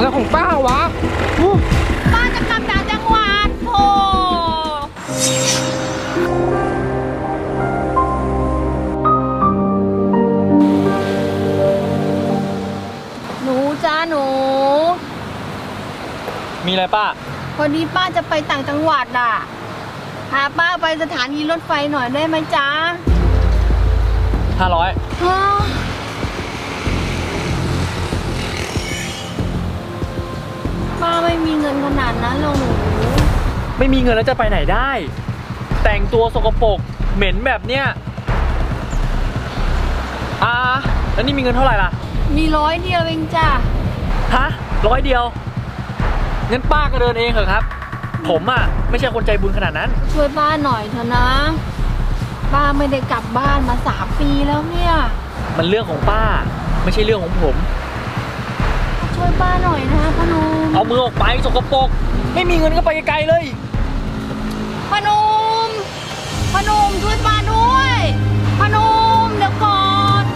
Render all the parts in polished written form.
อะไรของป้าวะป้าจะกลับต่างจังหวัดโอ้หนูจ้าหนูมีอะไรป้าพอดีป้าจะไปต่างจังหวัดอ่ะพาป้าไปสถานีรถไฟหน่อยได้ไหมจ๊ะ 500 ป้าไม่มีเงินขนาดนั้นหรอกหนูไม่มีเงินแล้วจะไปไหนได้แต่งตัวสกปรกเหม็นแบบเนี้ยแล้วนี่มีเงินเท่าไหร่ล่ะมี100เดียวเองจ้ะฮะ100เดียวงั้นป้าก็เดินเองเหรอครับผมไม่ใช่คนใจบุญขนาดนั้นช่วยป้าหน่อยเถอะนะป้าไม่ได้กลับบ้านมา3 ปีแล้วเนี่ยมันเรื่องของป้าไม่ใช่เรื่องของผมช่วยป้าหน่อยนะพนมเอามือออกไปสกปรกไม่มีเงินก็ไปไกลๆเลยพนมช่วยป้าด้วยพนมเดี๋ยวก่อน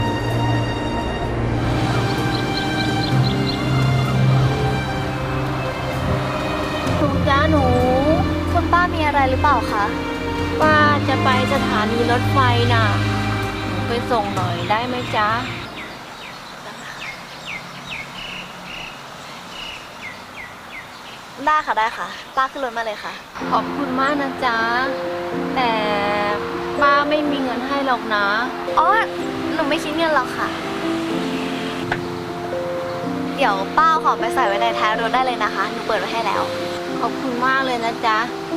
หนูจ้าหนูคุณป้ามีอะไรหรือเปล่าคะป้าจะไปสถานีรถไฟน่ะหนูไปส่งหน่อยได้ไหมจ๊ะได้ค่ะได้ค่ะป้าขึ้นรถมาเลยค่ะขอบคุณมากนะจ๊ะแต่ป้าไม่มีเงินให้หรอกนะอ๋อหนูไม่คิดเงินหรอกค่ะเดี๋ยวป้าขอไปใส่ไว้ในท้ายรถได้เลยนะคะหนูเปิดไว้ให้แล้วขอบคุณมากเลยนะจ๊ะ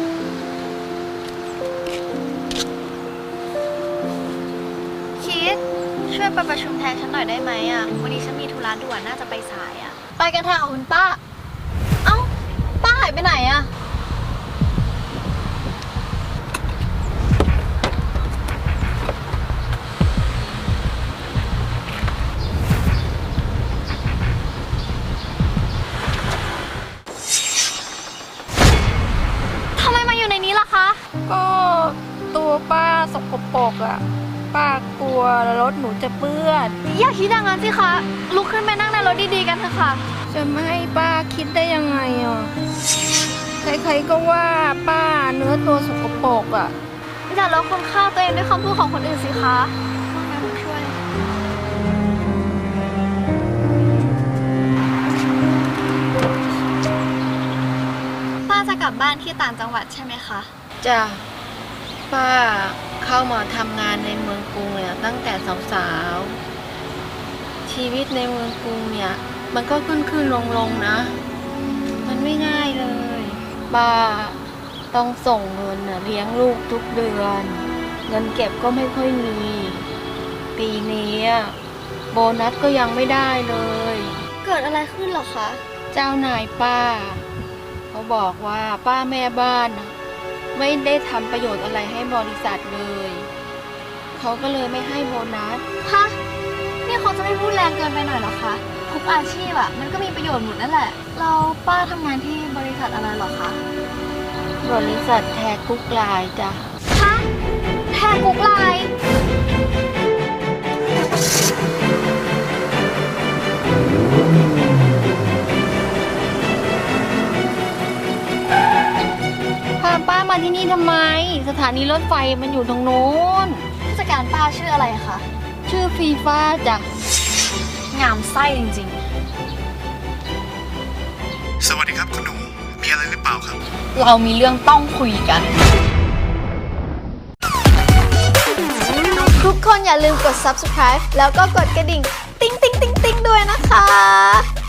คิดช่วยไปประชุมแทนฉันหน่อยได้ไหมวันนี้ฉันมีธุระด่วนน่าจะไปสายไปกันเถอะคุณป้าเอ้าป้าหายไปไหนทำไมมาอยู่ในนี้ล่ะคะก็ตัวป้าสกปรกป้ากลัวรถหนูจะเปื้อนอย่าคิดอย่างนั้นสิคะลุกขึ้นไปนั่งในรถดีๆกันเถอะค่ะจะไม่ให้ป้าคิดได้ยังไงใครๆก็ว่าป้าเนื้อตัวสกปรกอย่าลดคุณค่าตัวเองด้วยคำพูดของคนอื่นสิคะงั้นช่วยป้าจะกลับบ้านที่ต่างจังหวัดใช่ไหมคะจ้ะป้าเข้ามาทำงานในเมืองกรุงเนี่ยตั้งแต่สาวๆชีวิตในเมืองกรุงเนี่ยมันก็ขึ้นลงนะมันไม่ง่ายเลยป้าต้องส่งเงินเลี้ยงลูกทุกเดือนเงินเก็บก็ไม่ค่อยมีปีนี้โบนัสก็ยังไม่ได้เลยเกิดอะไรขึ้นหรอคะเจ้านายป้าเขาบอกว่าป้าแม่บ้านไม่ได้ทำประโยชน์อะไรให้บริษัทเลยเขาก็เลยไม่ให้โบนัสฮะนี่เขาจะไม่พูดแรงเกินไปหน่อยหรอคะทุกอาชีพมันก็มีประโยชน์หมดนั่นแหละเราป้าทำงานที่บริษัทอะไรหรอคะบริษัทแทกุ๊กไลน์จ้ะฮะแทกุ๊กไลน์พาป้ามาที่นี่ทำไมสถานีรถไฟมันอยู่ตรงโน้นผู้จัดการป้าชื่ออะไรคะชื่อฟีฟ้าจ้ะงามไส้จริงๆสวัสดีครับคุณหนูมีอะไรหรือเปล่าครับเรามีเรื่องต้องคุยกันทุกคนอย่าลืมกด subscribe แล้วก็กดกระดิ่งติ๊งติ๊งติ๊งติ๊งด้วยนะคะ